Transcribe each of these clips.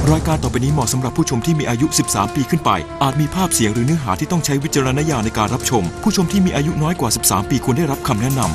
รายการต่อไปนี้เหมาะสำหรับผู้ชมที่มีอายุ 13 ปีขึ้นไปอาจมีภาพเสียงหรือเนื้อหาที่ต้องใช้วิจารณญาณในการรับชมผู้ชมที่มีอายุน้อยกว่า 13 ปีควรได้รับคำแนะนำ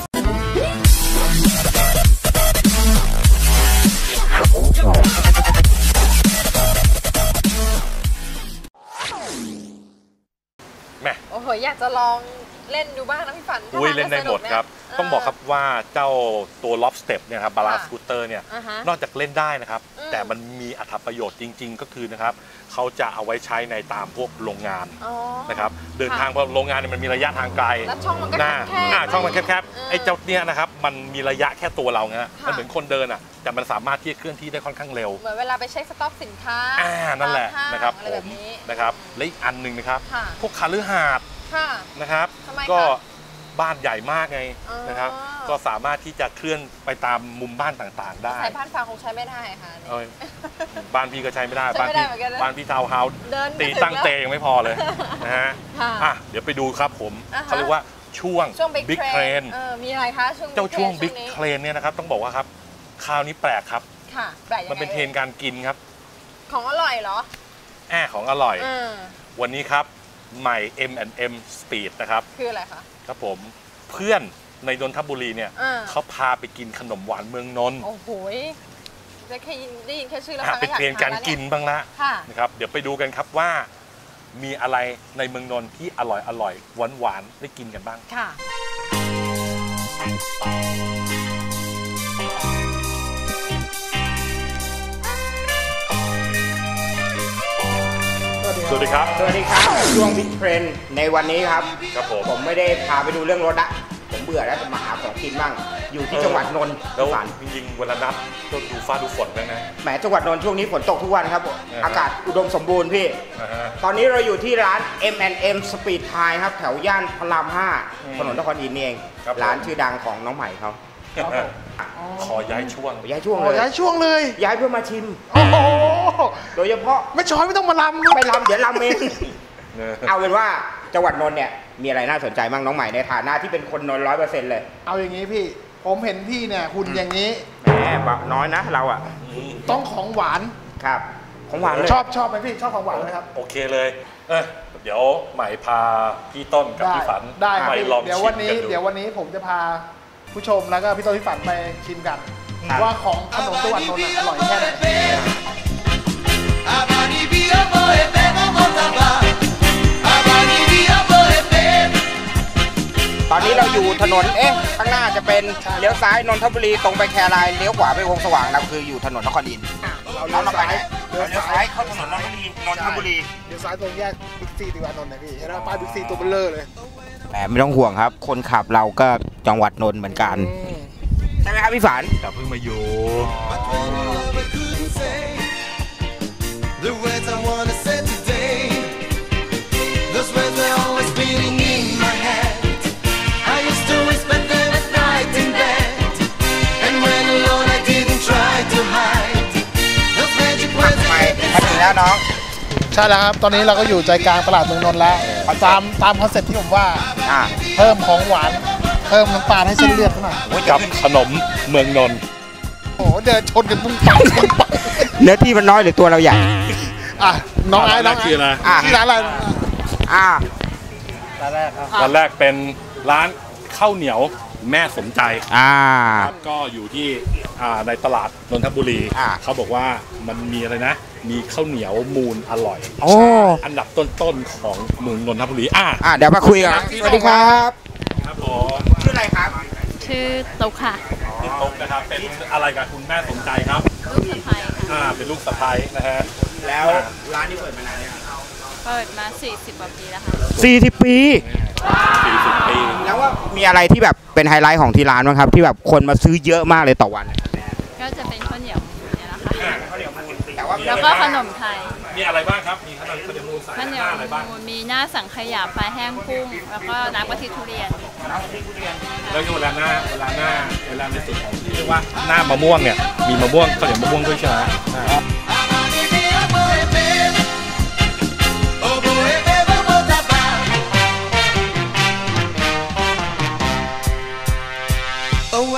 โอ้โหอยากจะลองเล่นดูบ้างนะพี่ฝันเล่นได้หมดครับต้องบอกครับว่าเจ้าตัวล็อบสเต็ปเนี่ยครับบาลานซ์สกูตเตอร์เนี่ยนอกจากเล่นได้นะครับแต่มันมีอรรถประโยชน์จริงๆก็คือนะครับเขาจะเอาไว้ใช้ในตามพวกโรงงานนะครับเดินทางไปโรงงานเนี่ยมันมีระยะทางไกลช่องมันก็แคบช่องมันแคบไอ้เจ้าเนี่ยนะครับมันมีระยะแค่ตัวเราไงมันเหมือนคนเดินอ่ะแต่มันสามารถที่จะเคลื่อนที่ได้ค่อนข้างเร็วเหมือนเวลาไปเช็คสต็อกสินค้านั่นแหละนะครับผมนะครับและอีกอันหนึ่งนะครับพวกคฤหาสน์นะครับก็บ้านใหญ่มากไงนะครับก็สามารถที่จะเคลื่อนไปตามมุมบ้านต่างๆได้ใช้บ้านฟางคงใช้ไม่ได้ค่ะบ้านพี่ก็ใช้ไม่ได้บ้านพี่ทาวน์เฮาส์ตีตั้งเตยังไม่พอเลยนะฮะเดี๋ยวไปดูครับผมเขาเรียกว่าช่วงบิ๊กเครนมีอะไรคะช่วงบิ๊กเครนเนี่ยนะครับต้องบอกว่าครับคราวนี้แปลกครับมันเป็นเทรนการกินครับของอร่อยเหรอของอร่อยวันนี้ครับใหม่ M&M Speed นะครับคืออะไรคะครับผมเพื่อนในนนทบุรีเนี่ยเขาพาไปกินขนมหวานเมืองนนท์โอ้โหจะแค่ได้ยินแค่ชื่อแล้วเป็นเทรนการกินบ้างละนะครับเดี๋ยวไปดูกันครับว่ามีอะไรในเมืองนนท์ที่อร่อยหวานได้กินกันบ้างค่ะสวัสดีครับช่วงบิ๊กเทรนในวันนี้ครับผมไม่ได้พาไปดูเรื่องรถละผมเบื่อแล้วจะมาหาของกินบ้างอยู่ที่จังหวัดนนท์แล้วจริงๆเวลานับก็ดูฟ้าดูฝนแล้วนะแหมจังหวัดนนท์ช่วงนี้ฝนตกทุกวันครับอากาศอุดมสมบูรณ์พี่ตอนนี้เราอยู่ที่ร้าน M&M Speed Thai ครับแถวย่านพระราม 5ถนนนครอินทร์เองร้านชื่อดังของน้องใหม่เขาขอย้ายช่วงเลยย้ายช่วงเลยย้ายเพื่อมาชิมโอ้โหโดยเฉพาะไม่ช้อยไม่ต้องมาลำไม่ลำเดี๋ยวลำเองเอาเป็นว่าจังหวัดนนท์เนี่ยมีอะไรน่าสนใจบ้างน้องใหม่ในฐานะที่เป็นคนนนท์100%เลยเอาอย่างนี้พี่ผมเห็นพี่เนี่ยหุ่นอย่างนี้แหมน้อยนะเราอ่ะต้องของหวานครับของหวานเลยชอบไหมพี่ชอบของหวานไหมครับโอเคเลยเดี๋ยวใหม่พาพี่ต้นกับพี่ฝันไปลองชิมกันดูเดี๋ยววันนี้ผมจะพาผู้ชมแล้วก็พี่ต้นพี่ฝันไปชิมกันว่าของขนมจังหวัดนนท์อร่อยแค่ไหนตอนนี้เราอยู่ถนนข้างหน้าจะเป็นเลี้ยวซ้ายนนทบุรีตรงไปแครายเลี้ยวขวาไปวงสว่างเราคืออยู่ถนนนครอินทร์เราไปไหนเลี้ยวซ้ายเข้าถนนนนทบุรีเลี้ยวซ้ายตรงแยกบิ๊กซีติวานนท์นะพี่เห็นไหมป้ายบิ๊กซีตัวเบลเลอร์เลยแต่ไม่ต้องห่วงครับคนขับเราก็จังหวัดนนท์เหมือนกันใช่ไหมครับพี่ฝันแต่เพิ่งมาอยู่แล้วน้องใช่แล้วครับตอนนี้เราก็อยู่ใจกลางตลาดเมืองนนท์แล้วตามคอนเซ็ปต์ที่ผมว่าเพิ่มของหวานเพิ่มน้ำตาลให้เส้นเลือดหน่อยกับขนมเมืองนนท์โอ้เดินชนกันปุ้งปังเนื้อที่มันน้อยหรือตัวเราใหญ่น้องไอ้ชื่อร้านอะไรร้านแรกเป็นร้านข้าวเหนียวแม่สมใจก็อยู่ที่ในตลาดนนทบุรีเขาบอกว่ามันมีอะไรนะมีข้าวเหนียวมูลอร่อยอันดับต้นๆของเมืองนนทบุรีเดี๋ยวมาคุยกันสวัสดีครับครับผมชื่ออะไรครับชื่อตุ๊กค่ะตุ๊กนะครับเป็นอะไรกับคุณแม่สมใจครับลูกสะใภ้เป็นลูกสะใภ้นะฮะแล้วร้านนี้เปิดมานานยังเปิดมา40 กว่าปีแล้วค่ะ 40 ปีแล้วว่ามีอะไรที่แบบเป็นไฮไลท์ของที่ร้านบ้างครับที่แบบคนมาซื้อเยอะมากเลยต่อวันก็จะเป็นข้าวเหนียวเนี่ยนะคะแล้วก็ขนมไทยมีอะไรบ้างครับมีขนมมูลใส่หน้าอะไรบ้างมีหน้าสังขยาปลาแห้งกุ้งแล้วก็น้ำกะทิทุเรียนแล้วเวลาในส่วนของที่เรียกว่าหน้ามะม่วงเนี่ยมีมะม่วงข้าวเหนียวมะม่วงด้วยใช่ไหม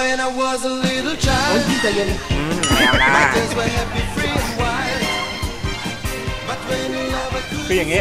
พี่ใจเย็นคืออย่างนี้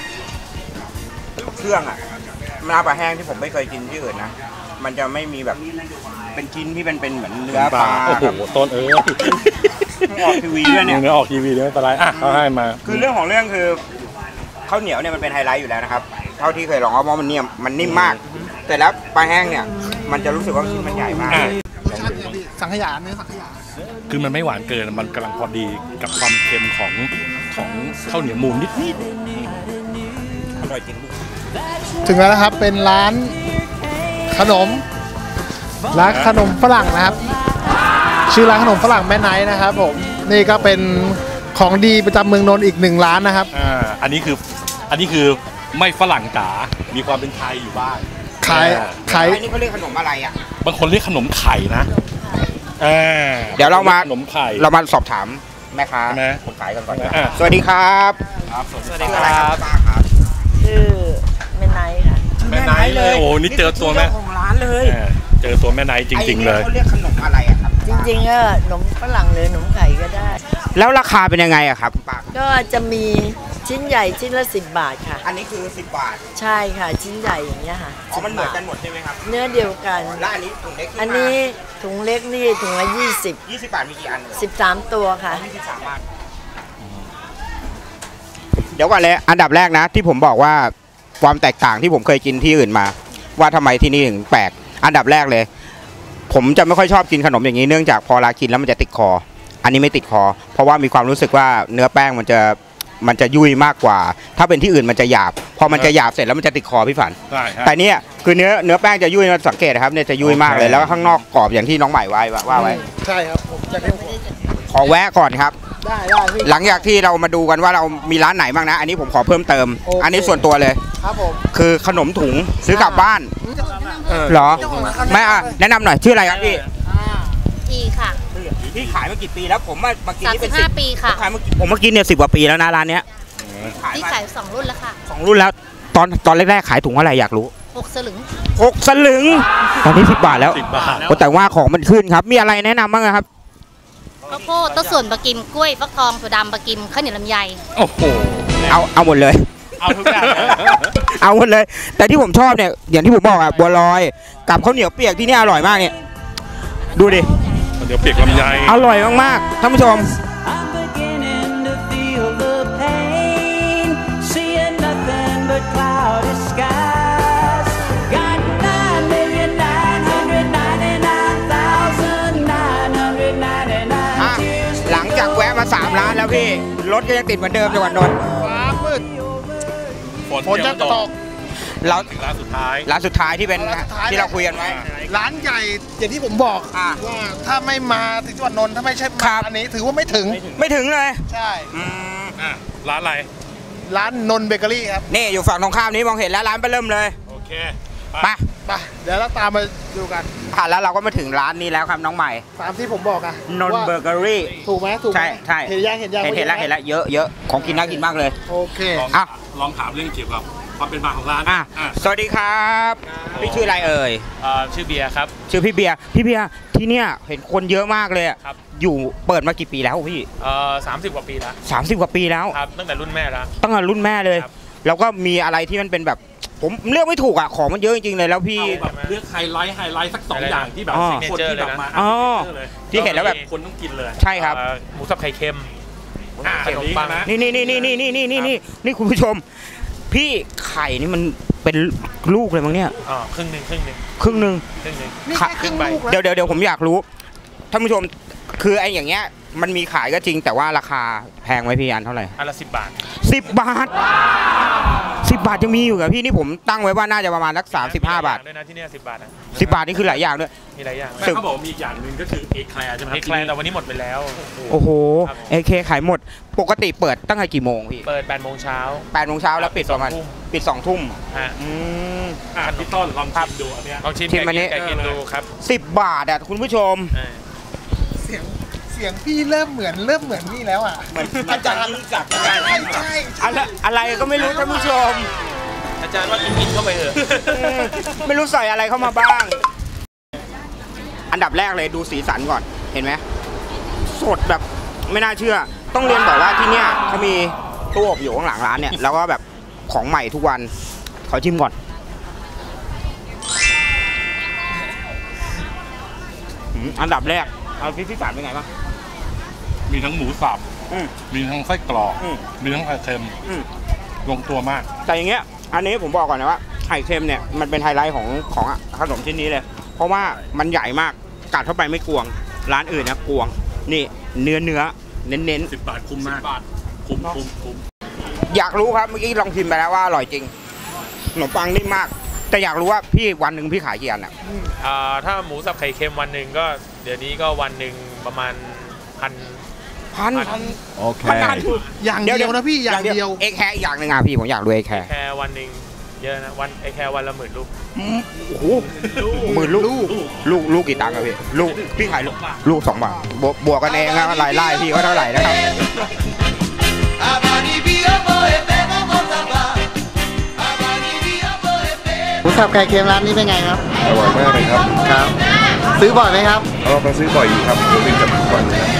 เครื่องอ่ะน้ำปลาแห้งที่ผมไม่เคยกินที่อื่นนะมันจะไม่มีแบบเป็นชิ้นที่เป็นเหมือนเนื้อปลาโอ้โหต้นออกทีวีด้วยเนี่ยเนื้อออกทีวีด้วยไม่เป็นไรอ่ะเขาให้มาคือเรื่องของเรื่องคือข้าวเหนียวเนี่ยมันเป็นไฮไลท์อยู่แล้วนะครับเท่าที่เคยลองเพราะมันนิ่มมากแต่แล้วปลาแห้งเนี่ยมันจะรู้สึกว่าชิ้นมันใหญ่มากสังขยาเนื้อสังขยาคือมันไม่หวานเกินมันกำลังพอดีกับความเค็มของข้าวเหนียวมูนนิดอร่อยจริงถึงแล้วนะครับเป็นร้านขนมฝรั่งนะครับชื่อร้านขนมฝรั่งแม่ไนท์นะครับผมนี่ก็เป็นของดีประจำเมืองนนท์อีก1ร้านนะครับอันนี้คือไม่ฝรั่งจ๋ามีความเป็นไทยอยู่บ้างขายอันนี้เขาเรียกขนมอะไรอ่ะบางคนเรียกขนมไข่นะเดี๋ยวเรามาขนมไข่เรามาสอบถามแม่ค้าคนขายกันก่อนสวัสดีครับสวัสดีครับชื่อแม่ไนท์ค่ะแม่ไนท์เลยโอ้นี่เจอตัวแม่ของร้านเลยเจอตัวแม่ไนท์จริงๆเลยเขาเรียกขนมอะไรอะครับจริงๆก็ขนมฝรั่งหรือขนมไข่ก็ได้แล้วราคาเป็นยังไงอะครับป้าก็จะมีชิ้นใหญ่ชิ้นละ10 บาทค่ะอันนี้คือ10 บาทใช่ค่ะชิ้นใหญ่อย่างเงี้ยค่ะอ๋อมันเหมือนกันหมดใช่ไหมครับเนื้อเดียวกันแล้วอันนี้ถุงเล็กอันนี้ถุงเล็กนี่ถุงละ20 บาทมีกี่อัน 13ตัวค่ะ 13 บาทเดี๋ยวก่อนเลยอันดับแรกนะที่ผมบอกว่าความแตกต่างที่ผมเคยกินที่อื่นมาว่าทำไมที่นี่ถึงแปลกอันดับแรกเลยผมจะไม่ค่อยชอบกินขนมอย่างนี้เนื่องจากพอกินแล้วมันจะติดคออันนี้ไม่ติดคอเพราะว่ามีความรู้สึกว่าเนื้อแป้งมันจะยุ่ยมากกว่าถ้าเป็นที่อื่นมันจะหยาบพอมันจะหยาบเสร็จแล้วมันจะติดคอพี่ฝันแต่เนี่ยคือเนื้อแป้งจะยุ่ยสังเกตนะครับเนี่ยจะยุ่ยมากเลยแล้วข้างนอกกรอบอย่างที่น้องใหม่ว่าไว้ใช่ครับผมจะขอแวะก่อนครับได้หลังจากที่เรามาดูกันว่าเรามีร้านไหนบ้างนะอันนี้ผมขอเพิ่มเติมอันนี้ส่วนตัวเลยครับผมคือขนมถุงซื้อกลับบ้านเหรอไม่แนะนำหน่อยชื่ออะไรครับพี่ค่ะพี่ขายมากี่ปีแล้วผมมากินนี่เป็น 15 ปีค่ะผมมากินเนี่ย10 กว่าปีแล้วนะร้านเนี้ยพี่ขาย2 รุ่นแล้วค่ะ 2 รุ่นแล้วตอนแรกๆขายถุงอะไรอยากรู้ 6 สลึงตอนนี้10 บาทแล้วแต่ว่าของมันขึ้นครับมีอะไรแนะนำบ้างครับข้าวโพดต้นส่วนปลากิมกล้วยฟักทองถั่วดำปลากิมข้าวเหนียวลำไยโอ้โหเอาหมดเลยเอาทุกอย่างเอาหมดเลยแต่ที่ผมชอบเนี่ยอย่างที่ผมบอกบัวลอยกับข้าวเหนียวเปียกที่นี่อร่อยมากเนี่ยดูดิเดี๋ยวเปียกลำไยอร่อยมากๆท่านผู้ชมหลังจากแวะมา3 ร้านแล้วพี่รถก็ยังติดเหมือนเดิมจังหวัดนนท์ฟ้ามืดฝนจะตกเราถึงร้านสุดท้ายที่เป็นที่เราคุยกันไว้ร้านใหญ่อย่างที่ผมบอกว่าถ้าไม่มาถึงจังหวัดนนท์ถ้าไม่ใช่อันนี้ถือว่าไม่ถึงเลยใช่ร้านอะไรร้านนนท์เบเกอรี่ครับนี่อยู่ฝั่งตรงข้ามนี้มองเห็นแล้วร้านไปเริ่มเลยโอเคไปเดี๋ยวเราตามมาดูกันแล้วเราก็มาถึงร้านนี้แล้วครับน้องใหม่ตามที่ผมบอกอะนนท์เบเกอรี่ถูกไหมใช่เห็นแล้วเยอะของกินน่ากินมากเลยโอเคลองถามเรื่องเกี่ยวกับความเป็นมาของร้านสวัสดีครับพี่ชื่ออะไรเอ่ยชื่อเบียร์ครับชื่อพี่เบียร์ที่เนี่ยเห็นคนเยอะมากเลยครับอยู่เปิดมากี่ปีแล้วพี่ 30 กว่าปีแล้ว 30 กว่าปีแล้วครับตั้งแต่รุ่นแม่แล้วตั้งแต่รุ่นแม่เลยแล้วก็มีอะไรที่มันเป็นแบบผมเลือกไม่ถูกอ่ะของมันเยอะจริงๆเลยแล้วพี่เลือกไฮไลท์สัก2 อย่างที่แบบคนที่แบบมาที่เห็นแล้วแบบคนต้องกินเลยใช่ครับหมูสับไข่เค็มขนมปังนี่คุณผู้ชมพี่ไข่นี่มันเป็นลูกเลยมั้งเนี่ยครึ่งหนึ่งเดี๋ยวผมอยากรู้ท่านผู้ชมคือไอ้อย่างเงี้ยมันมีขายก็จริงแต่ว่าราคาแพงไหมพี่อันเท่าไหร่อันละ10 บาท 10 บาทยังมีอยู่กับพี่นี่ผมตั้งไว้ว่าน่าจะประมาณสัก35 บาทด้วยนะที่นี่10 บาทนะ 10 บาทนี่คือหลายอย่างด้วยมีหลายอย่างเขาบอกมีอีกอย่างนึงก็คือเอแคลร์ใช่ไหมเอแคลร์แต่วันนี้หมดไปแล้วโอ้โหเอแคลร์ขายหมดปกติเปิดตั้งแต่กี่โมงพี่เปิด8 โมงเช้าแล้วปิดประมาณ2 ทุ่มพี่ต้นลองชิมดูอันนี้ลองชิมแกกินดูครับ 10 บาทอ่ะคุณผู้ชมเสียงพี่เริ่มเหมือนนี่แล้วอ่ะเหมือนอาจารย์รู้จักใช่อะไรก็ไม่รู้ท่านผู้ชมอาจารย์ว่ากินเข้าไปเถอะไม่รู้ใส่อะไรเข้ามาบ้างอันดับแรกเลยดูสีสันก่อนเห็นไหมสดแบบไม่น่าเชื่อต้องเรียนบอกว่าที่เนี่ยเขามีตู้อบอยู่ข้างหลังร้านเนี่ยแล้วก็แบบของใหม่ทุกวันขอชิมก่อนอันดับแรกเอาพี่ฝานเป็นไงบ้างมีทั้งหมูสับมีทั้งไส้กรอกมีทั้งไข่เค็มลงตัวมากแต่อย่างเงี้ยอันนี้ผมบอกก่อนนะว่าไข่เค็มเนี่ยมันเป็นไฮไลท์ของขนมชิ้นนี้เลยเพราะว่ามันใหญ่มากกัดเข้าไปไม่กวงร้านอื่นนะกวงนี่เนื้อเน้น 10 บาทคุ้มมากคุ้มอยากรู้ครับเมื่อกี้ลองชิมไปแล้วว่าอร่อยจริงขนมปังนิ่มมากแต่อยากรู้ว่าพี่วันหนึ่งพี่ขายกี่อันอ่ะถ้าหมูสับไข่เค็มวันหนึ่งก็เดี๋ยวนี้ก็วันหนึ่งประมาณพันโอเคอย่างเดียวนะพี่อย่างเดียวเอ็กแคร์อย่างหนึ่งอ่ะพี่ผมอยากรู้เอ็กแคร์วันหนึ่งเยอะนะเอ็กแคร์วันละ10,000 ลูกโอ้โห10,000 ลูกกี่ตังค์อะพี่พี่ขายลูก2 บาทบวกกันเองนะรายได้พี่ก็เท่าไหร่นะครับหมูสับไก่เค็มร้านนี้เป็นไงครับอร่อยมากเลยครับซื้อบ่อยไหมครับมาซื้อบ่อยอยู่ครับเป็นจับบ่อยเลย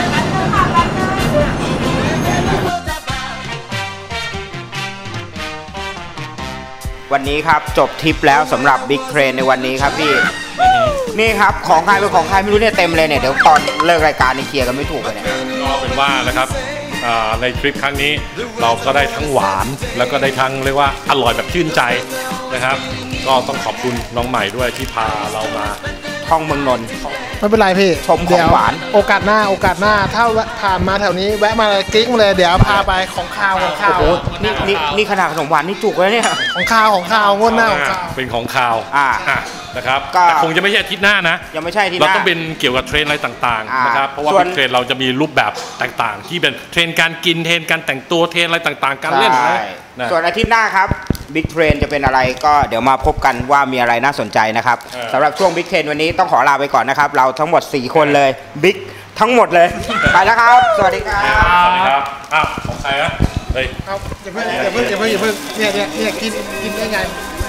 วันนี้ครับจบทริปแล้วสำหรับบิ๊กเทรนในวันนี้ครับพี่นี่ครับของใครเป็นของใครไม่รู้เนี่ยเต็มเลยเนี่ยเดี๋ยวตอนเลิกรายการนี่เคลียร์กันไม่ถูกเลยเนี่ยก็เป็นว่านะครับในทริปครั้งนี้เราก็ได้ทั้งหวานแล้วก็ได้ทั้งเรียกว่าอร่อยแบบชื่นใจนะครับก็ต้องขอบคุณน้องใหม่ด้วยที่พาเรามาท่องเมืองนนท์ไม่เป็นไรพี่ชมของหวานโอกาสหน้าถ้าผ่านมาแถวนี้แวะมากิ๊กเลยเดี๋ยวพาไปของข้าวนี่ขนาดขนมหวานนี่จุกเลยเนี่ยของข้าวงวดหน้าของข้าวเป็นของข้าวนะครับแต่คงจะไม่ใช่อาทิตย์หน้านะยังไม่ใช่ที่เราต้องเป็นเกี่ยวกับเทรนอะไรต่างๆนะครับเพราะว่าเป็นเทรนเราจะมีรูปแบบต่างๆที่เป็นเทรนการกินเทรนการแต่งตัวเทรนอะไรต่างๆการเล่นนะส่วนอาทิตย์หน้าครับบิ๊กเทรนจะเป็นอะไรก็เดี๋ยวมาพบกันว่ามีอะไรน่าสนใจนะครับสำหรับช่วงบิ๊กเทรนวันนี้ต้องขอลาไปก่อนนะครับเราทั้งหมด4 คนเลยบิ๊กทั้งหมดเลยไปแล้วครับสวัสดีครับของใครนะเฮ้ยอย่าเพิ่งเนี่ยกินได้ไง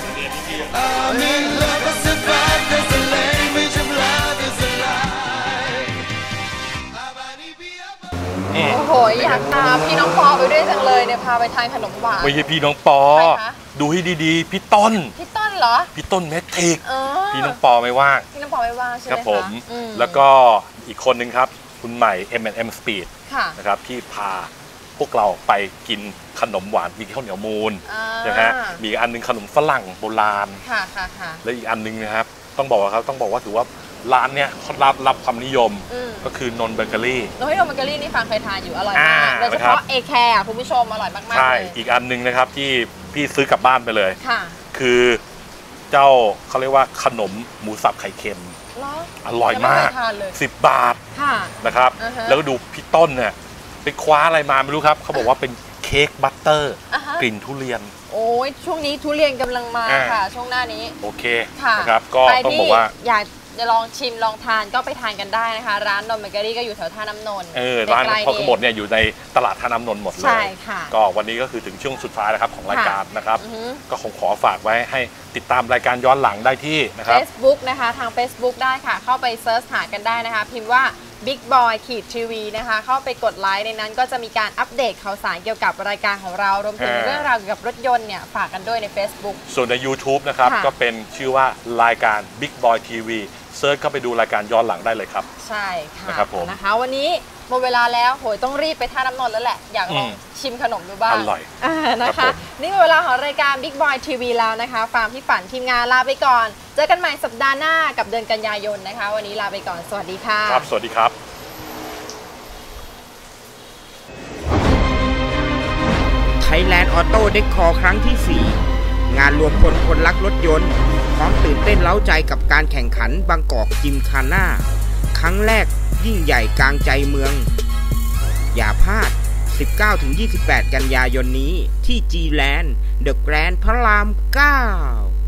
โอ้โหอยากพาพี่น้องปอไปด้วยจังเลยเนี่ยพาไปทานขนมหวานไม่ใช่พี่น้องปอดูให้ดีๆพี่ต้นเหรอพี่ต้นเมทิกพี่น้องปอไม่ว่างใช่ไหมครับผมแล้วก็อีกคนนึงครับคุณใหม่ M&M Speed นะครับที่พาพวกเราไปกินขนมหวานมีข้าวเหนียวมูนนะฮะมีอันนึงขนมฝรั่งโบราณและอีกอันนึงนะครับต้องบอกว่าถือว่าร้านเนี้ยเขารับความนิยมก็คือนนเบเกอรี่นนเบเกอรี่นี่ฟังเคยทานอยู่อร่อยมากโดยเฉพาะเอแคร์คุณผู้ชมอร่อยมากๆใช่อีกอันนึงนะครับที่พี่ซื้อกลับบ้านไปเลยคือเจ้าเขาเรียกว่าขนมหมูสับไข่เค็มอร่อยมาก10 บาทนะครับแล้วก็ดูพี่ต้นเนี่ยไปคว้าอะไรมาไม่รู้ครับเขาบอกว่าเป็นเค้กบัตเตอร์กลิ่นทุเรียนโอ้ยช่วงนี้ทุเรียนกำลังมาค่ะช่วงหน้านี้โอเคนะครับก็ต้องบอกว่าอยากจะลองชิมลองทานก็ไปทานกันได้นะคะร้านนนเบเกอรี่ก็อยู่แถวท่าน้ำนนท์ร้านพอขมดเนี่ยอยู่ในตลาดท่าน้ำนนท์หมดเลยใช่ค่ะก็วันนี้ก็คือถึงช่วงสุดท้ายแล้วครับของรายการนะครับก็คงขอฝากไว้ให้ติดตามรายการย้อนหลังได้ที่นะครับ Facebook นะคะทาง Facebook ได้ค่ะเข้าไปเซิร์ชหากันได้นะคะพิมพ์ว่า Big Boy TV นะคะเข้าไปกดไลค์ในนั้นก็จะมีการอัปเดตข่าวสารเกี่ยวกับรายการของเรารวมถึงเรื่องราวเกี่ยวกับรถยนต์เนี่ยฝากกันด้วยใน Facebook ส่วนใน YouTube นะครับก็เป็นชื่อว่ารายการ Big Boy TVเซิร์ชเข้าไปดูรายการย้อนหลังได้เลยครับใช่ค่ะนะครับผมนะคะวันนี้หมดเวลาแล้วโหยต้องรีบไปท่าน้ำนนท์แล้วแหละอยากลองชิมขนมดูบ้างอร่อยนะคะนี่หมดเวลาของรายการ Big Boy TV แล้วนะคะฟาร์มพี่ฝันทีมงานลาไปก่อนเจอกันใหม่สัปดาห์หน้ากับเดือนกันยายนนะคะวันนี้ลาไปก่อนสวัสดีค่ะครับสวัสดีครับ Thailand Auto Decor ครั้งที่ 4 งานรวมคนรักรถยนต์พร้อมตื่นเต้นเร้าใจกับการแข่งขันบางกอกจิมคาน่าครั้งแรกยิ่งใหญ่กลางใจเมืองอย่าพลาด 19-28 กันยายนนี้ที่ G-Land The Grand พระราม 9